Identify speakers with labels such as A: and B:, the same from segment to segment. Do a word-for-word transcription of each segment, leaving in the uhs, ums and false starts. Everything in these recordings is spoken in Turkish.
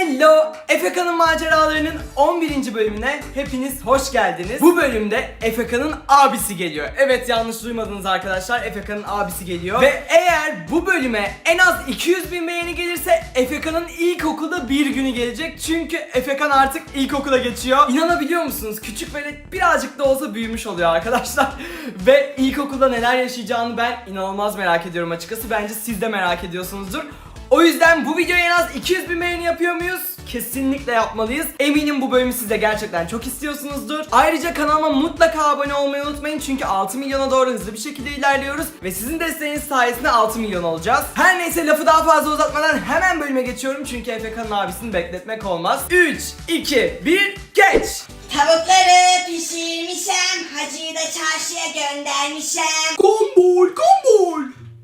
A: Hello! Efeka'nın maceralarının on birinci bölümüne hepiniz hoş geldiniz. Bu bölümde Efeka'nın abisi geliyor. Evet, yanlış duymadınız arkadaşlar, Efeka'nın abisi geliyor. Ve eğer bu bölüme en az iki yüz bin beğeni gelirse Efeka'nın ilkokulda bir günü gelecek. Çünkü Efekan artık ilkokula geçiyor. İnanabiliyor musunuz? Küçük velet birazcık da olsa büyümüş oluyor arkadaşlar. Ve ilkokulda neler yaşayacağını ben inanılmaz merak ediyorum açıkçası. Bence siz de merak ediyorsunuzdur. O yüzden bu videoya en az iki yüz bin beğeni yapıyor muyuz? Kesinlikle yapmalıyız. Eminim bu bölümü siz de gerçekten çok istiyorsunuzdur. Ayrıca kanalıma mutlaka abone olmayı unutmayın. Çünkü altı milyona doğru hızlı bir şekilde ilerliyoruz. Ve sizin desteğiniz sayesinde altı milyon olacağız. Her neyse, lafı daha fazla uzatmadan hemen bölüme geçiyorum. Çünkü Efeka'nın abisini bekletmek olmaz. üç, iki, bir, geç!
B: Tavukları pişirmişem, hacıyı da çarşıya göndermişem.
A: Kombol, kombol!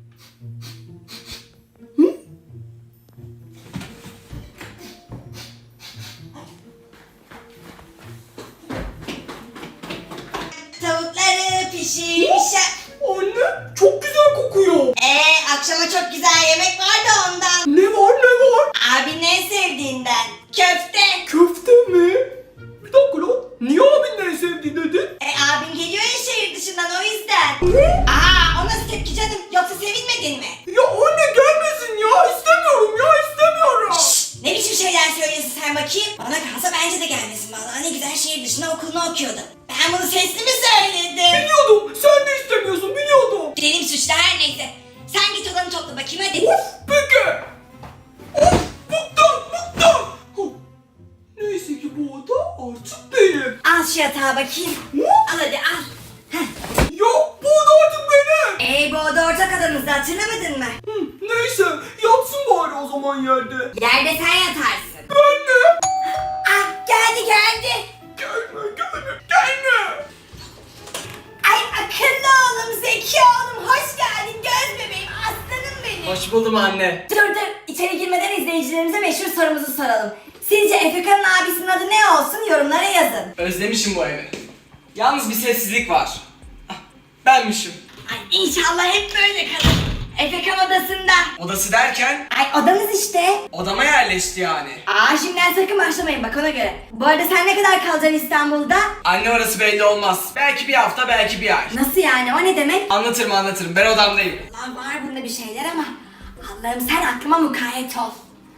B: Tavukları pişirmişem.
A: Anne, çok güzel kokuyor.
B: Eee akşama çok güzel yemek var da ondan.
A: Ne var ne var?
B: Abinin en sevdiğinden. Köfte.
A: Köfte mi? Bir dakika lan. Niye abinin en sevdiği dedin?
B: E abin geliyor ya şehir dışından, o yüzden.
A: Ne?
B: Aa, o nasıl tepki canım? Yoksa sevinmedin mi?
A: Ya anne gelmesin ya. İstemiyorum ya, istemiyorum.
B: Şşş, ne biçim şeyler söylüyorsun sen bakayım? Bana kalsa bence de gelmesin vallahi. Ne güzel şehir dışında okulunu okuyordu. Ben bunu sesli mi söyledim?
A: Biliyordum. Sen de istemiyorsun, biliyordum.
B: Benim suçlu, her neyse. Sen git odanı topla bakayım hadi.
A: Of, peki. Of, bıktım, bıktım. Huh. Neyse ki bu oda artık benim.
B: Al şu yatağı bakayım.
A: Ne?
B: Al hadi al. Heh.
A: Ya bu oda artık benim.
B: Ey, bu oda ortak adamızda, hatırlamadın mı?
A: Hı, neyse, yatsın bari o zaman yerde.
B: Yerde sen yatarsın.
A: Ben de.
B: Ah, geldi geldi.
A: Gelme, gelme, gelme.
B: Ay akıllı oğlum, zeki oğlum, hoş geldin göz bebeğim, aslanım benim.
A: Hoş buldum anne.
B: Dur dur, içeri girmeden izleyicilerimize meşhur sorumuzu soralım. Sizce Efeka'nın abisinin adı ne olsun, yorumlara yazın.
A: Özlemişim bu evi. Yalnız bir sessizlik var. Ah, benmişim.
B: Ay inşallah hep böyle kalır. Efekan odasında.
A: Odası derken
B: Ay odanız işte.
A: odama yerleşti yani.
B: Aa, şimdiden sakın başlamayın bak, ona göre. Bu arada sen ne kadar kalacaksın İstanbul'da?
A: Anne, orası belli olmaz. Belki bir hafta, belki bir ay.
B: Nasıl yani, o ne demek?
A: Anlatırım anlatırım, ben odamdayım.
B: Lan var bunda bir şeyler ama Allah'ım sen aklıma mukayyet ol.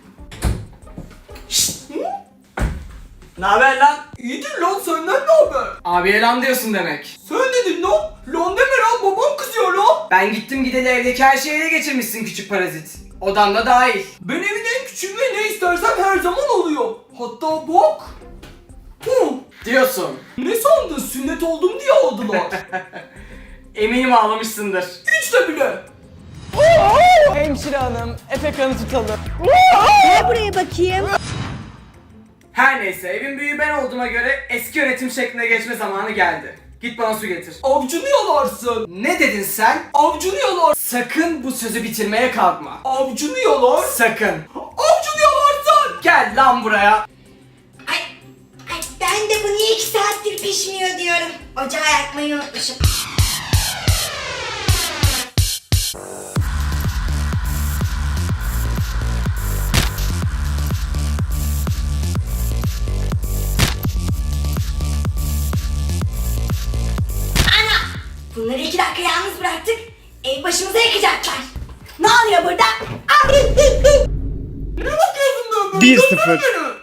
A: Ne haber lan? İyidir lan, senden ne haber? Abiye lan diyorsun demek. Sen dedin lan. Lan deme lan, babam kızıyor lan. Ben gittim gideli evdeki her şeyi ele geçirmişsin küçük parazit. Odan da dahil. Ben evin en küçüğüm ve ne istersem her zaman oluyor. Hatta bak. Hı. Diyorsun. Ne sandın, sünnet oldum diye aldılar. Eminim ağlamışsındır. Hiç de bile. Hemşire hanım, Efekan'ı tutalım.
B: Gel buraya bakayım.
A: Her neyse, evin büyüğü ben olduğuma göre eski yönetim şekline geçme zamanı geldi. Git bana su getir. Avcunu yalarsın. Ne dedin sen? Avcunu yalar. Sakın bu sözü bitirmeye kalkma. Avcunu yalar. Sakın. Avcunu yalarsın. Gel lan buraya.
B: Ay, ay ben de bu niye iki saattir pişmiyor diyorum. Ocağı yakmayı unutmuşum. Ana! Bunları iki dakika yalnız bıraktık. Ev başımıza yakacaklar. Ne oluyor burada? Ah!
A: Ne bakıyorsun böyle?
C: bir sıfır.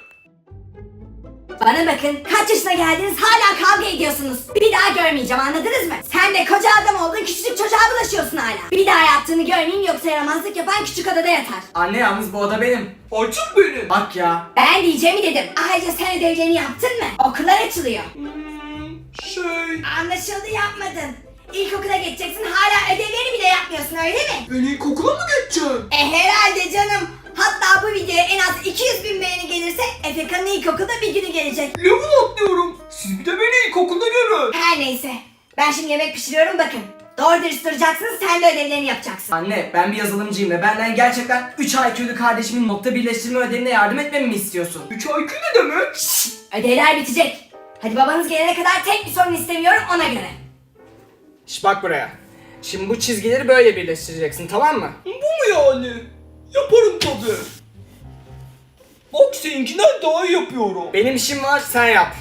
B: Bana bakın, kaç yaşına geldiniz hala kavga ediyorsunuz. Bir daha görmeyeceğim, anladınız mı? Sen de koca adam oldun, küçücük çocuğa bulaşıyorsun hala. Bir daha yaptığını görmeyeyim, yoksa yaramazlık yapan küçük odada yatar.
A: Anne, yalnız bu oda benim. Açık benim. Bak ya.
B: Ben diyeceğimi dedim. Ayrıca sen ödevlerini yaptın mı? Okullar açılıyor.
A: Hmm, şey...
B: Anlaşıldı, yapmadın. İlkokula geçeceksin, hala ödevleri bile yapmıyorsun, öyle mi?
A: Ben ilkokula mı geçeceğim?
B: E herhalde canım. Hatta bu videoya en az iki yüz bin beğeni gelirse Efekan'ın ilkokulda bir günü gelecek.
A: Level atlıyorum. Siz bir de beni ilkokulda görün.
B: Her neyse. Ben şimdi yemek pişiriyorum, bakın. Doğru dürüst duracaksınız, sen de ödevlerini yapacaksın.
A: Anne, ben bir yazılımcıyım ve benden gerçekten üç I Q'lu kardeşimin nokta birleştirme ödevine yardım etmemi mi istiyorsun? üç I Q ne demek?
B: Şşş, ödevler bitecek. Hadi babanız gelene kadar tek bir sorun istemiyorum, ona göre.
A: Şş, bak buraya. Şimdi bu çizgileri böyle birleştireceksin, tamam mı? Bu mu yani? Yaparım tabii.
C: Bak seninkinden daha iyi yapıyorum.
A: Benim işim var, sen yap.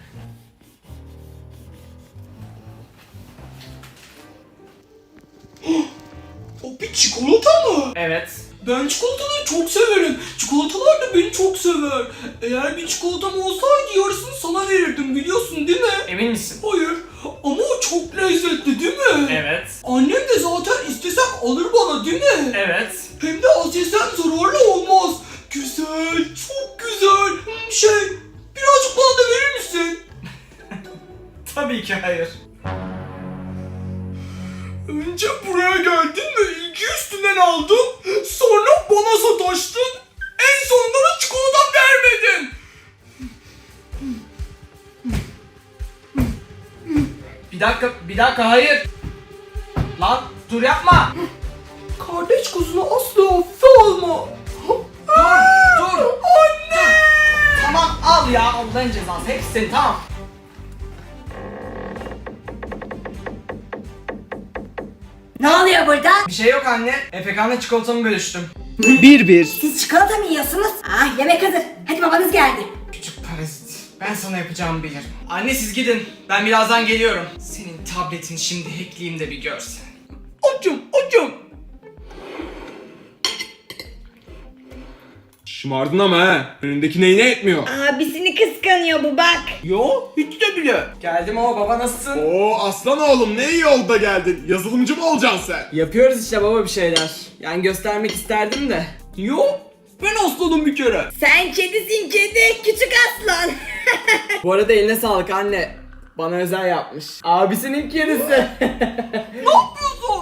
C: O bir çikolata mı?
A: Evet.
C: Ben çikolataları çok severim. Çikolatalar da beni çok sever. Eğer bir çikolatam olsaydı yarısını sana verirdim, biliyorsun değil mi?
A: Emin misin?
C: Hayır ama o çok lezzetli değil mi?
A: Evet.
C: Annem de zaten istesem alır bana değil mi?
A: Evet.
C: Hem de az yesem zararlı olmaz. Güzel, çok güzel. Hmm, Şey, birazcık bana da verir misin?
A: Tabii ki hayır.
C: Önce buraya geldin ve ilgi üstünden aldın. Sonra bana sataştın. En sonunda da çikolata vermedin.
A: Bir dakika, bir dakika hayır. Lan dur yapma.
C: Kardeş kuzunu asla hafife alma.
A: Dur, dur. Anne. Tamam al ya, Allah'ın cezası. Hepsi senin, tamam.
B: Ne oluyor burada?
A: Bir şey yok anne. Efekan'la çikolatamı bölüştüm.
D: Bir bir.
B: Siz çikolata mı yiyorsunuz? Ah, yemek hazır. Hadi babanız geldi.
A: Küçük parazit. Ben sana yapacağımı bilirim. Anne siz gidin. Ben birazdan geliyorum. Senin tabletini şimdi hackleyeyim de bir görsen.
C: Acım, acım.
E: Şımardın ama he. Önündeki neyine etmiyor.
B: Abisini kıskanıyor bu bak.
C: Yo, hiç de bile.
A: Geldim ama baba nasılsın?
E: Oo aslan oğlum ne iyi oldu da geldin. Yazılımcı mı olacaksın sen?
A: Yapıyoruz işte baba bir şeyler. Yani göstermek isterdim de.
C: Yo, ben aslanım bir kere.
B: Sen kedisin kedi, küçük aslan.
A: Bu arada eline sağlık anne. Bana özel yapmış. Abisinin kedisi.
C: Ne yapıyorsun?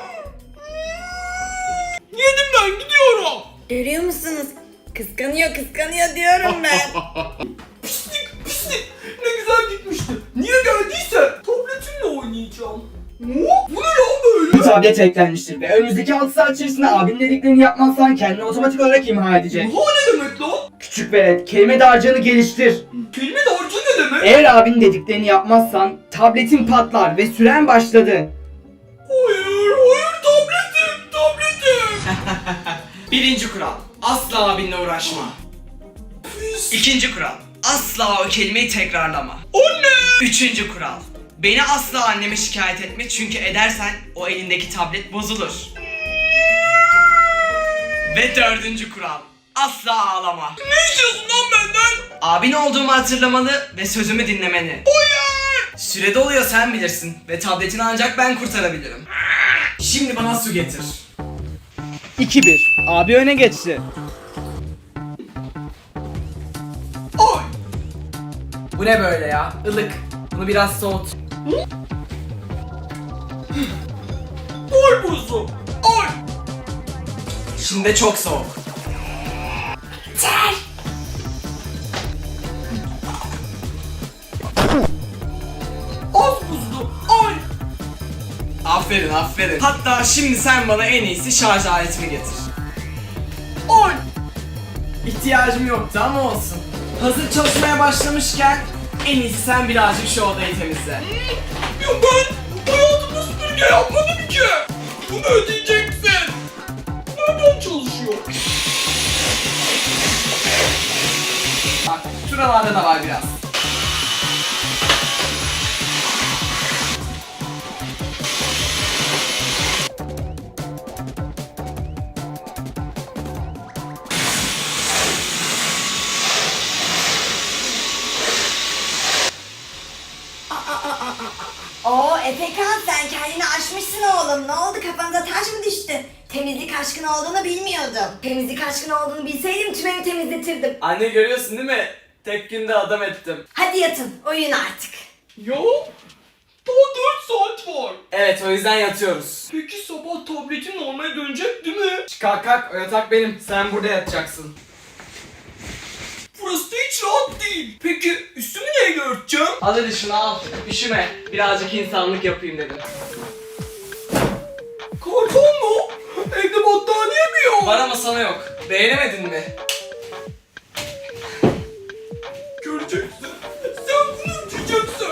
C: Yedim ben, gidiyorum.
B: Görüyor musunuz? Kıskanıyor kıskanıyor diyorum ben.
C: Pislik, pislik. Ne güzel gitmişti. Niye geldiyse tabletimle oynayacağım. Oo, bu ne lan
D: Bu
C: böyle?
D: tablet eklenmiştir ve önümüzdeki altı saat içerisinde abinin dediklerini yapmazsan kendini otomatik olarak imha edecek.
C: Bu ne demek lan?
D: Küçük velet, kelime dağarcığını geliştir.
C: Kelime dağarcığı ne demek?
D: Eğer abinin dediklerini yapmazsan tabletin patlar ve süren başladı.
C: Hayır, hayır, tabletim, tabletim.
A: Birinci kural. Asla abinle uğraşma.
C: Pis.
A: İkinci kural. Asla o kelimeyi tekrarlama.
C: Anne.
A: Üçüncü kural. Beni asla anneme şikayet etme çünkü edersen o elindeki tablet bozulur. Ve dördüncü kural. Asla ağlama.
C: Ne istiyorsun lan benden?
A: Abin olduğumu hatırlamalı ve sözümü dinlemeni.
C: Hayır.
A: Süre doluyor sen bilirsin ve tabletini ancak ben kurtarabilirim. Şimdi bana su getir.
D: iki bir. Abi öne geçti.
C: Ay.
A: Bu ne böyle ya? Ilık. Bunu biraz soğut.
C: Ay buzum. Ay.
A: Şimdi de çok soğuk.
B: Ter.
C: Az buzlu. Ay.
A: Aferin aferin. Hatta şimdi sen bana en iyisi şarj aletimi getir.
C: Ay.
A: İhtiyacım yoktu ama olsun. Hazır çalışmaya başlamışken en iyisi sen birazcık şu odayı temizle.
C: Ya ben hayatımda süpürge yapmadım ki. Bunu ödeyeceksin. Nereden çalışıyor?
A: Bak şuralarda da var biraz.
B: Oo Efekan, sen kendini aşmışsın oğlum. Ne oldu, kafanıza taş mı düştü? Temizlik aşkın olduğunu bilmiyordum. Temizlik aşkın olduğunu bilseydim tüm evi temizletirdim.
A: Anne görüyorsun değil mi? Tek günde adam ettim.
B: Hadi yatın, uyuyun artık.
C: Ya daha dört saat var.
A: Evet o yüzden yatıyoruz.
C: Peki sabah tabletin normale dönecek değil mi?
A: Kalk kalk o yatak benim. Sen burada yatacaksın.
C: Burası da hiç rahat değil. Peki üstümü neyle örteceğim?
A: Al hadi şunu al. Üşüme. Birazcık insanlık yapayım dedim.
C: Karton mu? Evde battaniye mi yok?
A: Var ama sana yok. Beğenemedin mi?
C: Göreceksin. Sen bunu ödeyeceksin.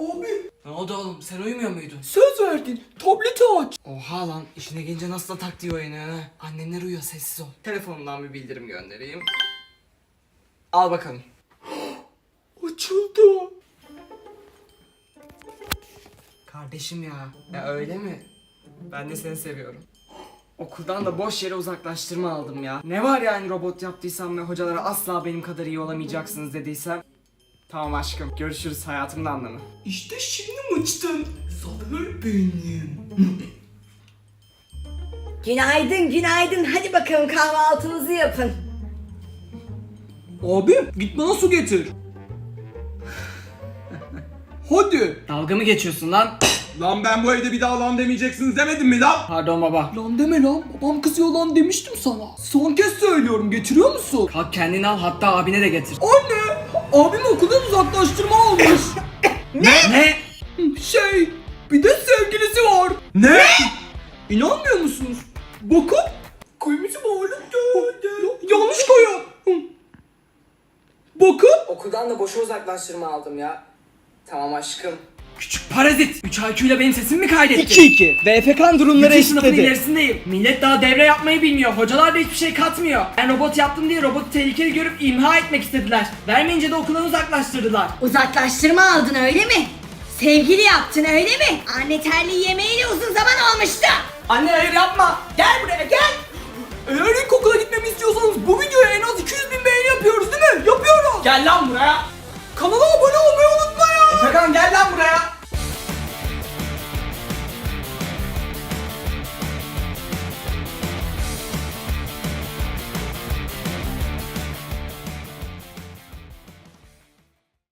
C: Abi
A: Ne oldu oğlum, sen uyumuyor muydun?
C: söz verdin. Tableti aç.
A: Oha lan, işine gelince nasıl da taktiği oynuyor ha. Annemler uyuyor, sessiz ol. Telefonumdan bir bildirim göndereyim. Al bakalım.
C: Açıldı.
A: Kardeşim ya. Ya öyle mi? Ben de seni seviyorum. Okuldan da boş yere uzaklaştırma aldım ya. Ne var yani robot yaptıysam ve hocalara asla benim kadar iyi olamayacaksınız dediysem. Tamam aşkım, görüşürüz, hayatımın anlamı.
C: İşte şimdi mıçtın. Zafer benim.
B: Günaydın günaydın. Hadi bakalım kahvaltınızı yapın.
C: Abi git bana su getir. Hadi.
A: Dalga mı geçiyorsun lan?
E: Lan ben bu evde bir daha lan demeyeceksiniz demedim mi lan?
A: Pardon baba.
C: Lan deme lan. Babam kızıyor lan demiştim sana. Son kez söylüyorum. Getiriyor musun?
A: Kalk kendini al, hatta abine de getir.
C: Anne. Abim okuldan uzaklaştırma almış.
A: Ne?
C: Şey. Bir de sevgilisi var.
E: Ne?
C: İnanmıyor musunuz? Bakın. Kuyumuzu bağırıp yanlış koyuyor. Bakın.
A: Okuldan da boşa uzaklaştırma aldım ya. Tamam aşkım. Küçük parazit. üç I Q ile benim sesimi mi kaydettin?
C: iki iki. Ve Efekan durumları
A: İki sınıfın
C: eşitledi.
A: ilerisindeyim. Millet daha devre yapmayı bilmiyor. Hocalar da hiçbir şey katmıyor. Ben robot yaptım diye robotu tehlikeli görüp imha etmek istediler. Vermeyince de okuldan uzaklaştırdılar.
B: Uzaklaştırma aldın öyle mi? Sevgili yaptın öyle mi? Anne terliği yemeğiyle uzun zaman olmuştu.
A: Anne hayır yapma. Gel buraya gel.
C: Eğer ilkokula gitmemi istiyorsanız bu videoya en az iki yüz bin beğeni yapıyoruz değil mi? Yapıyoruz.
A: Gel lan buraya.
C: Kanala abone olmayı unutmayın.
A: Efekan gel lan buraya.